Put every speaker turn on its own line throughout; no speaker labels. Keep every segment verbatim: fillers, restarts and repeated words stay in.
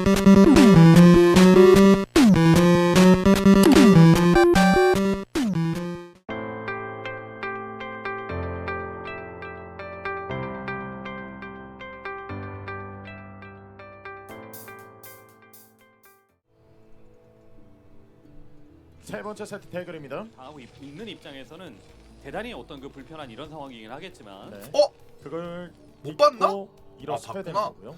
세 번째 세트 대결입니다.
당하고 있- 있는 입장에서는 대단히 어떤 그 불편한 이런 상황이긴 하겠지만
네.
어?
그걸
못 봤나?
일어서야
아,
되는
봤구나.
거고요.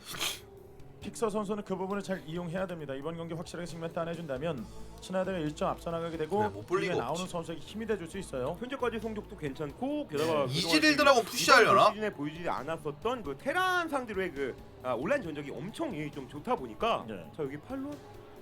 픽서 선수는 그 부분을 잘 이용해야 됩니다. 이번 경기 확실하게 측면 따내준다면 신하대가 일 점 앞서 나가게 되고
그래, 못볼
뒤에
리가
나오는
없지.
선수에게 힘이 돼줄 수 있어요.
현재까지 성적도 괜찮고 게다가
네.
이지릴드라고 푸시하려나?
시즌에 보여주지 않았었던 그 테란 상대로의 그 아, 온라인 전적이 엄청 이 좀 좋다 보니까
네.
자 여기 팔로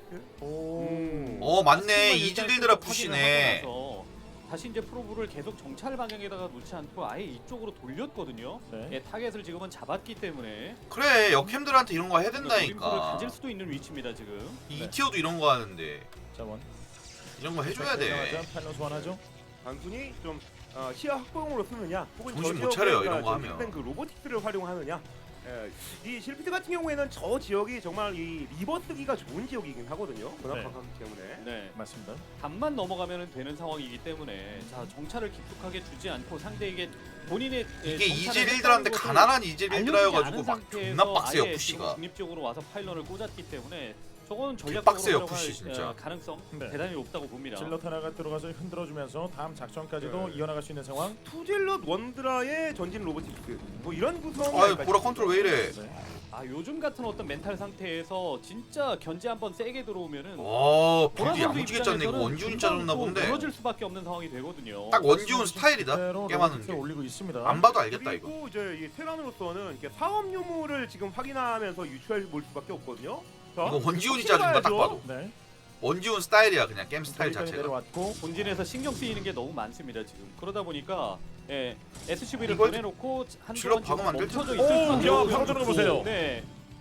오.
음.
어 맞네.
일단
이지릴드라
확인을
푸시네.
하고 나서 다시 이제 프로브를 계속 정찰 방향에다가 놓지 않고 아예 이쪽으로 돌렸거든요.
네.
예, 타겟을 지금은 잡았기 때문에
그래 역캠들한테 이런 거 해야
노림수를
된다니까.
가질 수도 있는 위치입니다 지금.
이
네.
이티어도 이런 거 하는데
자 원.
이런 거 해줘야 돼.
팔로 소환하죠.
단순히 좀 어, 시야 확보용으로 쓰느냐 혹은
정신
저
못 차려요,
지역에
이런 거
좀
하면.
그 로보틱스를 활용하느냐. 예, 이 실피트 같은 경우에는 저 지역이 정말 이 리버 쓰기가 좋은 지역이긴 하거든요.
네.
번화가기 때문에.
네.
맞습니다.
단만 넘어가면 되는 상황이기 때문에 자 정찰을 깊숙하게 주지 않고 상대에게 본인의 예,
이게
정찰을
이지릴드라는데
했다는 것을
가난한 이지릴드라여가지고
알려지지
막
않은 상태에서
존나 빡세요
아예
푸시가.
지금 중립적으로 와서 파일런을 꽂았기 때문에 저거는 전략적으로
빡세요,
활용할,
푸시 진짜.
어, 가능성
네.
대단히 높다고 봅니다.
질럿 하나가 들어가서 흔들어주면서 다음 작전까지도
네.
이어나갈 수 있는 상황.
투질럿 원드라의 전진 로보틱스 뭐 이런 구성.
아유 보라 컨트롤 왜 이래?
네.
아 요즘 같은 어떤 멘탈 상태에서 진짜 견제 한번 세게 들어오면은
와
보라
빌드
선수
야무지게 짰네. 이거
입장에서는
원지훈이
금방
짜줬나
또
본데.
무너질 수밖에 없는 상황이 되거든요.
딱 원지훈 스타일이다.
그대로
게임하는
로보틱스를
게.
올리고 있습니다.
안 봐도 알겠다 이거.
그리고 이제 이 테란으로서는 이렇게 사업 유무를 지금 확인하면서 유추해 볼 수밖에 없거든요. 자,
이거 원지훈이
혹시
짜준다 딱
봐야죠.
봐도.
네.
원지훈 스타일이야 그냥 게임 스타일
여기까지
자체가.
내려왔고
본진에서 신경 쓰이는 게 너무 많습니다 지금. 그러다 보니까 예, 에스씨브이를
이걸
보내놓고
질럿
한동안 지금
박으면 안 될
멈춰져
텐데.
있을
오,
수밖에
야,
없고요.
바로 들어가 보세요.
네.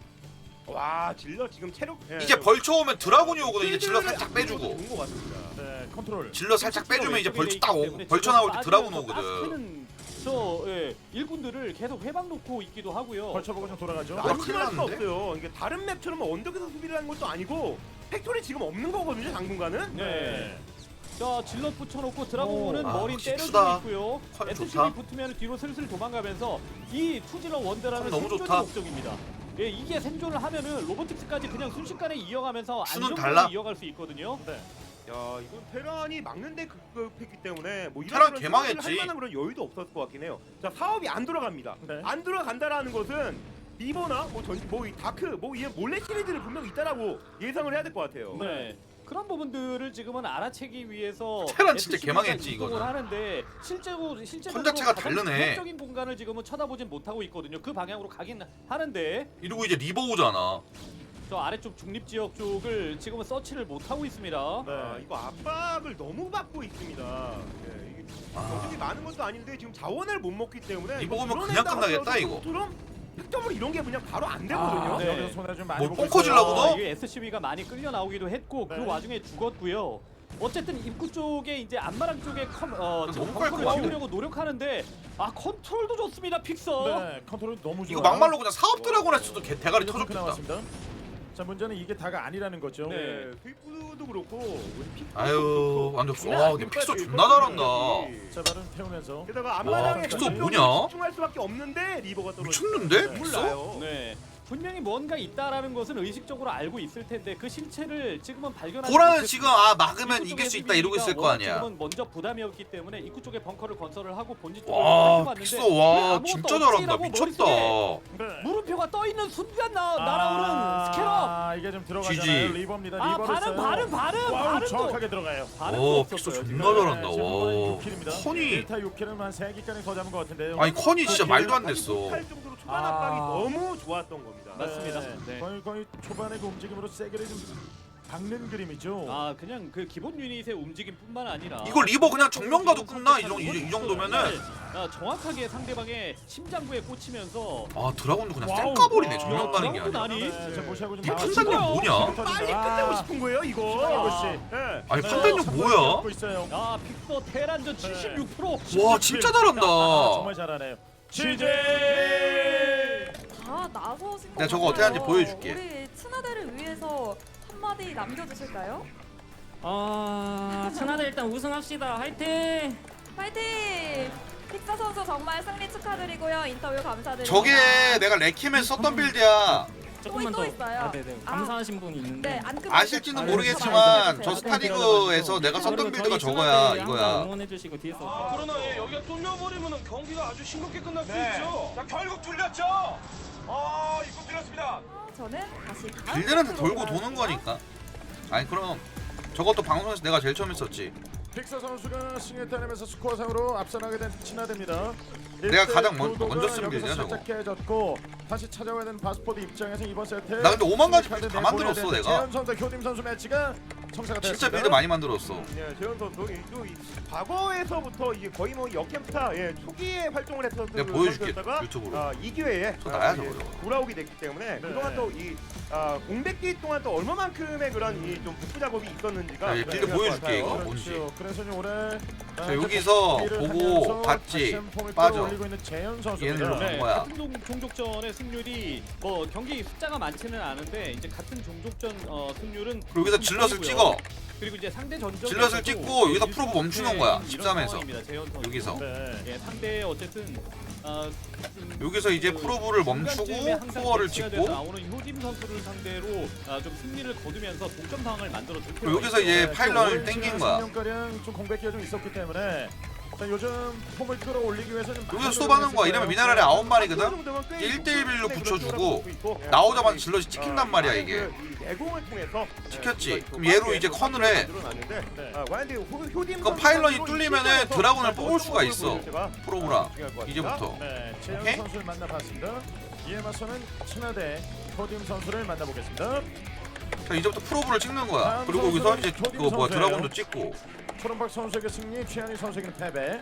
와 질럿 지금 체력 예,
이제 벌쳐 오면 드라군이 오거든. 이제 질러
필드를
살짝
안
빼주고.
좋은 것 같습니다.
네, 컨트롤.
질러 살짝 빼주면 이제 벌쳐 딱 오고 벌쳐 나올 때 드라군 오거든.
저 예, 일꾼들을 계속 회방 놓고 있기도 하고요.
벌쳐보고 좀 돌아가죠.
아,
안심할 수가
큰일 났는데?
없어요. 이게 다른 맵처럼 언덕에서 수비를 하는 것도 아니고 팩토리 지금 없는 거거든요. 당분간은.
네. 자 질럿 붙여놓고 드라곤은
오, 아,
머리
역시
때려주고
투다.
있고요.
퀄
에스씨브이
좋다.
붙으면 뒤로 슬슬 도망가면서 이 투질럿 원더라는
퀄 너무
생존이
좋다.
목적입니다. 예, 이게 생존을 하면은 로보틱스까지 그냥 순식간에 이어가면서
수는
안정적으로
달라.
이어갈 수 있거든요.
네.
야 이건 테란이 막는데 급급했기 때문에 뭐
테란
이런
개망했지.
할 만한 그런 여유도 없었을 것 같긴 해요. 자 사업이 안 돌아갑니다.
네.
안 돌아간다라는 것은 리버나 뭐전뭐이 다크 뭐 이런 몰래 시리즈를 분명 있다라고 예상을 해야 될 것 같아요.
네. 그런 부분들을 지금은 알아채기 위해서
테란 진짜
에스씨브이가
개망했지,
이동을
이거는.
하는데 실제로 실제로
선 자체가 다르네.
적인 공간을 지금은 쳐다보진 못하고 있거든요. 그 방향으로 가긴 하는데
이러고 이제 리버 오잖아.
저 아래쪽 중립 지역 쪽을 지금은 서치를 못 하고 있습니다.
네.
아, 이거 압박을 너무 받고 있습니다. 예, 이게 경쟁이 많은 것도 아닌데 지금 자원을 못 먹기 때문에
이거 보면
이런
그냥
데다가
끝나겠다, 이거.
컨트롤, 득점으로 이런 게 그냥 바로 안 되거든요.
아,
네.
여기서 손에 좀 많이
뭐
보고
뻥커
있어요.
질라고 너?
아, 이게 에스씨브이가 많이 끌려 나오기도 했고
네.
그 와중에 죽었고요. 어쨌든 입구 쪽에 이제 안마랑 쪽에 컨, 어, 지금
너무
컨트롤을
깔끔한데?
지우려고 노력하는데 아 컨트롤도 좋습니다 픽서.
네, 컨트롤 너무 좋아요.
이거 막말로 그냥 사업 드라곤 했어도 개 대가리
이렇게
터졌겠다.
나왔습니다. 자, 문제는 이게 다가 아니라는 거죠.
네.
네, 스위프도 그렇고 우리 픽도
아유
그렇고.
완전
장난
와
아닙니까,
근데 픽서
지금
존나 잘한다.
선수들이.
자, 발은 태우면서
게다가 앞마당에
픽서
뭐냐?
집중할 수밖에 없는데 리버가 떨어져.
미쳤는데
네.
픽서?
몰라요.
네. 분명히 뭔가 있다라는 것은 의식적으로 알고 있을 텐데 그 실체를 지금은 발견하지
보라는
못했고
지금 아 막으면
입구
이길
쪽에
수 있다 이러고 있을 거
에스비가
아니야.
지금은 먼저 부담이었기 때문에 입구 쪽에 벙커를 건설을 하고 본진 쪽으로
와
봤는데
픽서 와 진짜 잘한다 미쳤다.
네.
물음표가 떠 있는 순간 나,
아,
날아오는 스캐럽.
아, 이게 좀 들어가잖아요.
지지.
리버입니다.
아
리버를
발음
써요.
발음 발음
와우,
발음도
정확하게 들어가요.
발음도
오 픽서
없었어요.
존나
지금.
잘한다. 와
육 킬입니다.
컨이
일 타 육 킬은 한 세 개까지 더 잡은 것 같은데요.
아니 컨이 진짜 말도 안 됐어.
할 정도로 초반
아.
압박이 너무 좋았던 겁니다.
맞습니다.
네.
네.
거의 거의 초반의 그 움직임으로 세게를 좀 박는 그림이죠.
아 그냥 그 기본 유닛의 움직임뿐만 아니라
이거 리버 그냥 정면 가도 끝나 이, 정, 이, 이 정도면은.
아, 정확하게 상대방의 심장부에 꽂히면서
아 드라곤도 그냥
와우.
쌩까버리네
와.
정면 가는 게
드라곤도
아니라.
아니.
네, 자, 무시하고 좀
이게
나가시죠.
판단력 뭐냐?
빨리 끝내고 싶은 거예요, 이거.
김한국 씨.
네.
아니
네,
판단력
삼
뭐야?
번 있어요.
아 픽서 테란전 칠십육 퍼센트.
와 진짜
아,
잘한다.
정말 잘하네요. 시제.
다 나서신 거
내가 저거 어떻게 하는지 보여줄게.
우리 친화대를 위해서 위해서 한마디 남겨주실까요?
아 천하대 일단 우승합시다. 화이팅!
파이팅! 픽서 선수 정말 승리 축하드리고요. 인터뷰 감사드립니다.
저게 내가 레킴에서 썼던 빌드야.
조금만
또
더.
있어요.
아, 네네.
아.
감사하신 분이 있는데.
네, 안 끝나실
아실지는
거예요.
모르겠지만 저
네.
스타리그에서 내가 썼던
그리고
빌드가
저희
저거야
천하대 항상
이거야.
응원해주시고 뒤에서.
아, 그러나 예, 여기가 뚫려버리면 경기가 아주 싱겁게 끝날 수
네.
있죠.
자, 결국 뚫렸죠. 아, 이거 뚫렸습니다.
어, 저는 다시 다음
빌드는 다
세트로
돌고 도는
돌아갈게요.
거니까. 아니 그럼 저것도 방송에서 내가 제일 처음 했었지.
픽서 선수가 승리를 따내면서 스코어상으로 앞서나게 된 친화대입니다.
내가 가장 먼-
구도가
먼저 쓴
여기서
빌드야, 저거.
살짝 깨졌고 다시 찾아와야 되는 바스포드 입장에서 이번 세트
나 근데 오만 가지
카드
빌드 다
내보내야
만들었어,
되는데
내가.
재현 선수, 효딤 선수 매치가 성사가 됐습니다.
진짜 빌드 많이 만들었어.
네, 재현 선수 또 이 과거에서부터 이게 거의 뭐 역캠타 예, 초기에 활동을 했었던
내가
그
보여줄게,
선수였다가,
유튜브로.
아, 이 기회에
저
아,
나야,
예,
저거.
돌아오게 됐기 때문에 그동안 또이 아, 공백기 동안 또 얼마만큼의 그런 이 좀 복구 작업이 있었는지가
야, 얘 빌드
중요할 것
보여줄게,
같아요.
이거. 뭔지.
그렇죠. 그래서 이제 올해
자, 여기서 보고 봤지. 빠져.
올리고 있는 재현
얘는
선수입니다.
그런
네,
거야.
같은 종, 종족전의 승률이 뭐 경기 숫자가 많지는 않은데 이제 같은 종족전 어, 승률은
그리고 여기서 질럿을 찍어.
그리고 이제 상대 전적
질럿을 찍고 여기서 프로브 멈추는 거야, 십삼에서. 여기서.
네, 예, 상대 어쨌든 어, 좀
여기서 이제
그
프로브를
중간쯤에
멈추고
항상
투어를
배치가
찍고
돼서 나오는 효딤 선수를 상대로 아, 좀 승리를 거두면서 동점 상황을 만들어 줄
그리고 여기서 이제
네,
파일런을
그
땡긴 거야.
십 년가량 좀 공백기가 좀 있었기 때문에 자, 요즘 폼을 끌어올리기 위해서는
여기서 수업하는 거야. 이러면 미나랄이 아홉 마리거든? 일 대 일로 붙여주고 나오자마자 질럿이 찍힌단 말이야, 이게.
내공을 통해서
찍혔지. 그럼 얘로 이제 컨을 해.
네.
그럼 파일런이 뚫리면은 드라군을 뽑을 수가 있어. 프로브라. 이제부터.
네, 재현
오케이?
선수를 만나봤습니다. 이에 맞서는 친화대 효딤 선수를 만나보겠습니다.
자, 이제부터 프로브를 찍는 거야. 그리고 여기서 이제 그거 뭐야 드라군도 찍고.
초롬박 선수에게 승리, 최한희 선수에게 패배.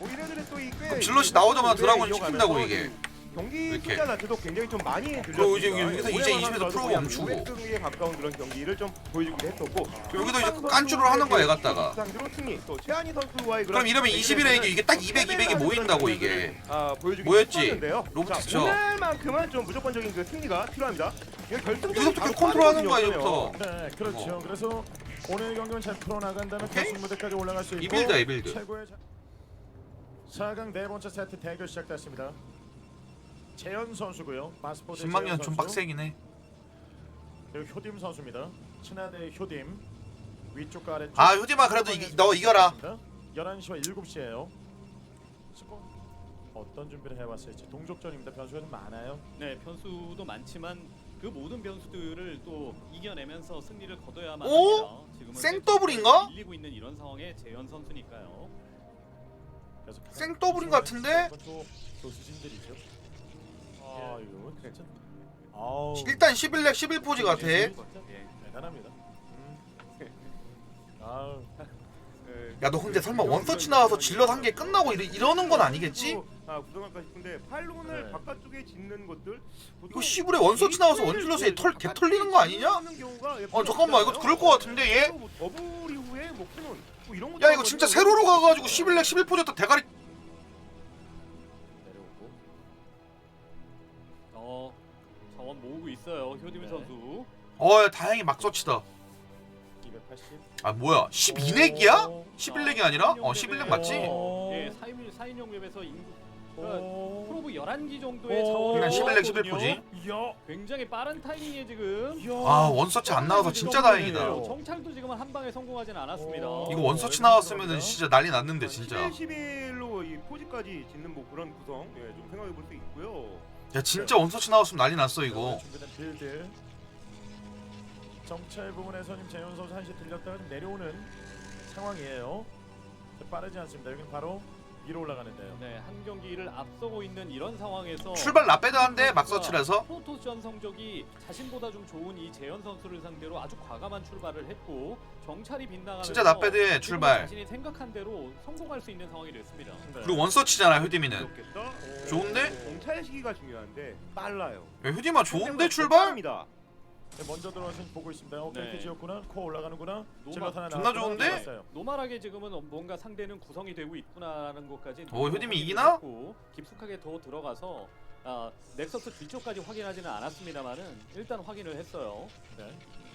그럼 질럿이 나오자마자 드라군을 찍힌다고 이게.
경기
이렇게.
숫자 자체도 굉장히 좀 많이 들렸습니다.
그리고 이제 여기서 이제
올해만
이십에서
하더라도
프로브
그냥
멈추고.
오백 등에 가까운 그런 경기를 좀 보여주기도 했었고
여기도 이제 깐쭈를 하는 거야, 얘 갖다가.
상대로 승리. 또 최한희 선수와의
그럼 이러면 이십일에 이게, 이게 딱 이백, 이백이 모인다고 이게.
아, 보여주기
뭐였지?
했었는데요.
로보틱스
자, 오늘만큼은 좀 무조건적인 그 승리가 필요합니다. 이거 결승전이
여기서부터
바로
컨트롤하는 거야,
빠르거든요.
이제부터.
네, 그렇죠.
어.
그래서 오늘 경기는 잘 풀어나간다면
오케이?
결승 무대까지 올라갈 수 있고
이 빌드야, 이 빌드.
최고의 자... 사 강 네 번째 세트 대결 시작됐습니다. 재현 선수고요. 마스포드
십만 년
재현
좀
선수.
빡세긴 해.
그리고 효딤 선수입니다. 친화대 효딤 위쪽과 아래쪽.
아, 효딤아, 그래도 이- 너 이겨라.
열한 시와 일곱 시예요. 어떤 준비를 해왔을지 동족전입니다. 변수가 좀 많아요.
네, 변수도 많지만 그 모든 변수들을 또 이겨내면서 승리를 거둬야만
오?
합니다. 지금은
생더블인가?
밀리고 있는 이런 상황에 재현 선수니까요.
그래서 가장
생더블인 것 같은데?
또 교수진들이죠. 아 이거 진짜. 아우.
일단 십일 렉 십일 포지 같아.
예.
대단합니다. 음. 아우.
야, 너 근데 설마 원서치 나와서 질럿 한 개 끝나고 이러, 이러는 건 아니겠지?
아, 구성할까 싶은데 파일론을
네.
바깥쪽에 짓는 것들
이거 시불에 원서치 나와서 원질럿에 털, 개 털리는 거 아니냐? 어, 잠깐만, 이거 그럴 것 같은데, 얘?
뭐 더블 이후에 뭐 캐논 뭐 이런
야, 이거 진짜 세로로 가가지고 십일 렉 십일 포지였다 대가리.
내려오고.
어, 자원 모으고 있어요. 효딤
네.
선수.
어, 다행히 막서치다.
이백팔십.
아, 뭐야? 십이 렉이야? 십일 렉이 아니라? 어, 십일 렉 맞지?
오.
예, 사 인용 웹에서 인구 그러니까
오.
프로브 열한 기 정도의
오.
자원을
그냥 십일 렉 십일
모았거든요.
포지.
이야.
굉장히 빠른 타이밍에 지금
이야.
아, 원서치 안 나와서 진짜 다행이다.
오.
정찰도 지금 한 방에 성공하진 않았습니다.
오.
이거 원서치 나왔으면은 진짜 난리 났는데, 진짜.
십일, 십일로 이 포지까지 짓는 뭐 그런 구성 예, 좀 생각해 볼 수 있고요.
야, 진짜 원서치 나왔으면 난리 났어, 이거.
준비된 빌드. 정찰 부분에서 지금 재현 선수 한시 들렸다가 좀 내려오는 상황이에요. 빠르지 않습니다. 여기는 바로 위로 올라가는데요.
네, 한 경기를 앞서고 있는 이런 상황에서
출발 라빼드한데, 막서치라서.
프로토스전 성적이 자신보다 좀 좋은 이 재현 선수를 상대로 아주 과감한 출발을 했고 정찰이 빗나가면서
진짜 나빼드해,
지금은
출발.
자신이 생각한 대로 성공할 수 있는 상황이 됐습니다.
네.
그리고 원서치잖아, 효디미는.
그렇겠다. 오.
좋은데?
정찰 시기가 중요한데 빨라요.
야, 효디마 좋은데, 출발?
입니다.
네, 먼저 들어와서 보고 있습니다. 어,
네.
네. 지었구나. 코 올라가는구나.
노마-
질럿 하나
존나
나왔구나.
좋은데?
들어갔어요.
노멀하게 지금은 뭔가 상대는 구성이 되고 있구나라는 것까지
어, 효딤이 이기나?
깊숙하게 더 들어가서 아, 넥서스 뒤쪽까지 확인하지는 않았습니다만은 일단 확인을 했어요.
네.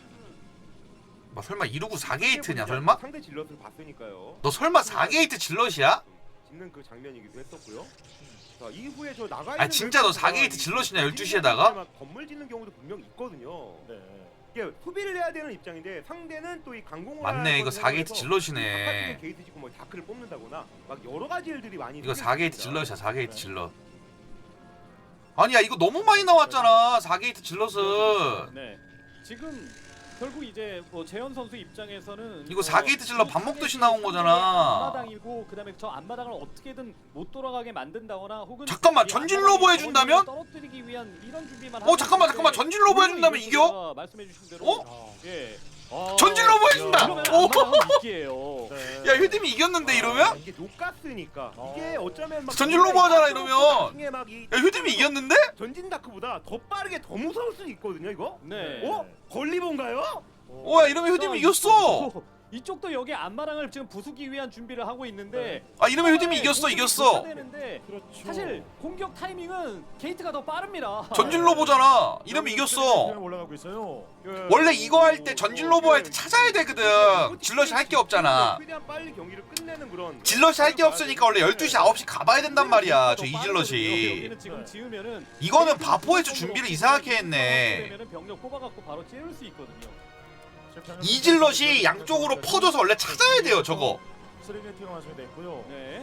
뭐 설마 이루고 사 게이트냐 설마?
상대 질럿을 봤으니까요.
너 설마 사 게이트 질럿이야?
짓는 그 장면이기도 했었고요. 자, 이후에 저 나가
아 진짜 너 사 게이트 질럿이냐 열두 시에다가?
건물 짓는 경우도 분명 있거든요.
네.
이게 소비를 해야 되는 입장인데 상대는 또 이 강공을
맞네 이거 사 게이트
아파트에
질럿이네.
게이트 짓고 뭐 다크를 뽑는다거나 막 여러 가지 일들이 많이
이거 사
생길
게이트
수 있습니다.
질럿이야 사 게이트 질럿. 아니야 이거 너무 많이 나왔잖아 사 게이트 질럿은.
네. 지금 결국 이제 뭐 재현 선수 입장에서는
이거 사 게이트 질럿 밥 먹듯이 나온 거잖아.
앞마당이고 그다음에 저 앞마당을 어떻게든 못 돌아가게 만든다거나 혹은
잠깐만,
이
전진
앞마당
로보 해준다면?
떨어뜨리기 위한 이런 준비만
어 잠깐만
하면
잠깐만
되는데
전진 로보 해준다면
오히려
이겨?
말씀해 주신 대로
어?
예. 어,
전진 로보 해준다!
이러면
오!
앞마당은 이기예요.
네.
야 휴팀이 이겼는데
아,
이러면?
이게 녹가스니까
어.
이게 어쩌면 막
전진 로보 하잖아, 이러면.
나중에 막 이
야 휴팀이 이겼는데?
전진 다크보다 더 빠르게 더 무서울 수 있거든요 이거.
네.
어? 걸리본가요?
오야 이러면 휴팀이 이겼어.
이쪽도 여기 앞마당을 지금 부수기 위한 준비를 하고 있는데
아 이러면 휴팀이 이겼어
공격이
이겼어.
되는데
그렇죠.
사실 공격 타이밍은 게이트가 더 빠릅니다.
전진 로보잖아. 이러면 이겼어.
올라가고 있어요.
원래 이거 할 때 전진 로보 할 때 찾아야 되거든. 질럿이 할 게 없잖아.
최대한 빨리 경기를 끝내는 그런.
질럿이 할 게 없으니까 원래 열두 시 아홉 시 가봐야 된단 말이야 저 이질럿이.
여기는 지금 지으면은
이거는 바포에서 준비를 이상하게 했네.
그러면은 병력 뽑아갖고 바로 찌를 수 있거든요.
이질럿이 양쪽으로 퍼져서 원래 찾아야 돼요 저거.
쓰리게이트가 완성이 됐고요.
네.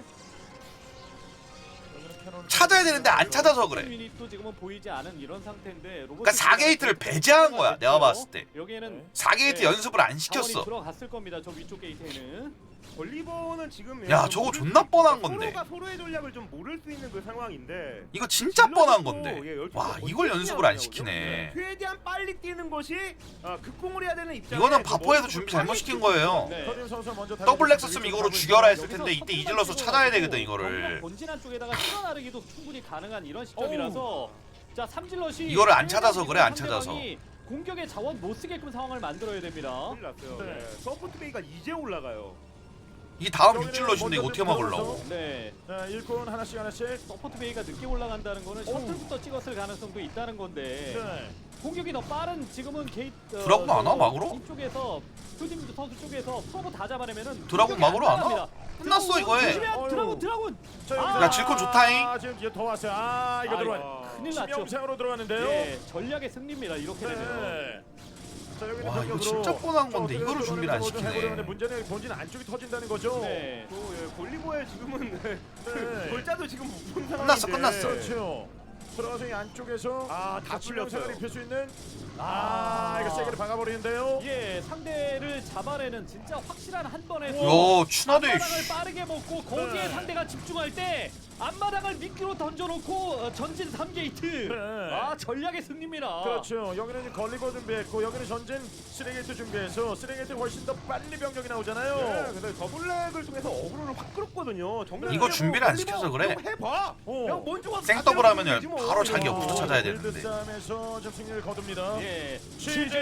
여기는 캐논을
찾아야 되는데 안 찾아서 그래.
유닛도 지금은 보이지 않은 이런 상태인데 로봇.
그러니까 사 게이트를 배제한 거야 내가 봤을 때.
여기에는
사 게이트
네.
연습을 안
자원이
시켰어.
들어갔을 겁니다. 저 위쪽 게이트에는.
걸리본은 지금
야, 저거 존나 뻔한 건데.
서로가 서로의 전략을 좀 모를 수 있는 그 상황인데.
이거 진짜 뻔한 건데.
예, 열두
와
시가
이걸
언제
연습을 안
뛰냐고요.
시키네.
최대한 빨리 뛰는 것이 어, 극공을 해야 되는 입장.
이거는 바포에서 준비 잘못 시킨 거예요.
네.
서림 선수 먼저
더블 렉서스면 이거로 죽여라 했을 텐데
여기서
이때 이질럿으로 찾아야 되거든
경기가
이거를.
본진한 쪽에다가 실어 나르기도 충분히 가능한 이런 시점이라서 자 삼질럿이
이거를 안 찾아서 그래, 안 찾아서.
상대방이 공격의 자원 못 쓰게끔 상황을 만들어야 됩니다.
큰일 났어요.
네.
네. 서포트 베이가 이제 올라가요.
이게 다음 육질럿인데 이거 어떻게 막으려고?
네.
자, 일꾼 하나씩 하나씩.
서포트 베이가 늦게 올라간다는 거는 셔틀부터 찍었을 가능성도 있다는 건데
네.
공격이 더 빠른 지금은 게이트 어,
드라군 안 와, 막으러?
이쪽에서 표팀 선수 쪽에서 프로보 다 잡아내면은
드라군
공격이
막으러 안 와?
나갑니다.
끝났어,
드라군
이거 해.
조심해,
어휴.
드라군 드라군.
자,
아,
여기다.
질콘 좋다잉.
아, 지금 이제 더 왔어요. 아, 이거
아,
들어와.
아,
큰일 났죠.
심영상으로 들어가는데요.
네, 전략의 승리입니다. 이렇게 되면.
네. 자, 여기는
와, 이거
병력으로
진짜 뻔한 건데
저
이거를
어떻게
준비를 안
좀
시키네.
해보려는데 문제는 본진 안쪽이 터진다는 거죠.
네.
또 예, 골리보의 지금은
네.
골자도 지금 못 본 상황인데.
끝났어, 끝났어.
그렇죠. 들어가서 이 안쪽에서
아, 다
수명상을
풀렸어요.
입힐 수 있는 아, 이거 세게를 박아버리는데요.
예, 상대를 잡아내는 진짜 확실한 한 번에
야 추나대
앞마당을 빠르게 먹고 거기에
네.
상대가 집중할 때 앞마당을 미끼로 던져놓고 어, 전진 삼 게이트.
네.
아 전략의 승리입니다.
그렇죠. 여기는 이제 걸리고 준비했고 여기는 전진 쓰레기트 준비해서 쓰레기트 훨씬 더 빨리 병력이 나오잖아요.
네, 근데 더블랙을 통해서 어그로를 확 끌었거든요. 정면
이거
그냥
준비를 안
걸리보
시켜서 그래.
좀 해봐.
어.
그냥 먼저 와서
생더블
다
하면은
때려주면 되지 뭐.
바로 자기
어.
부터 찾아야
빌드
되는데.
싸움에서 좀 승리를 거둡니다.
예.
취재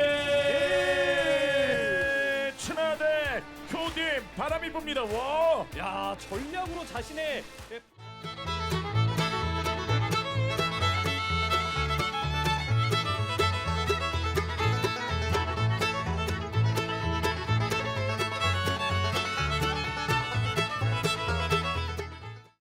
친하대 교팀 바람이 붑니다. 와.
야 전략으로 자신의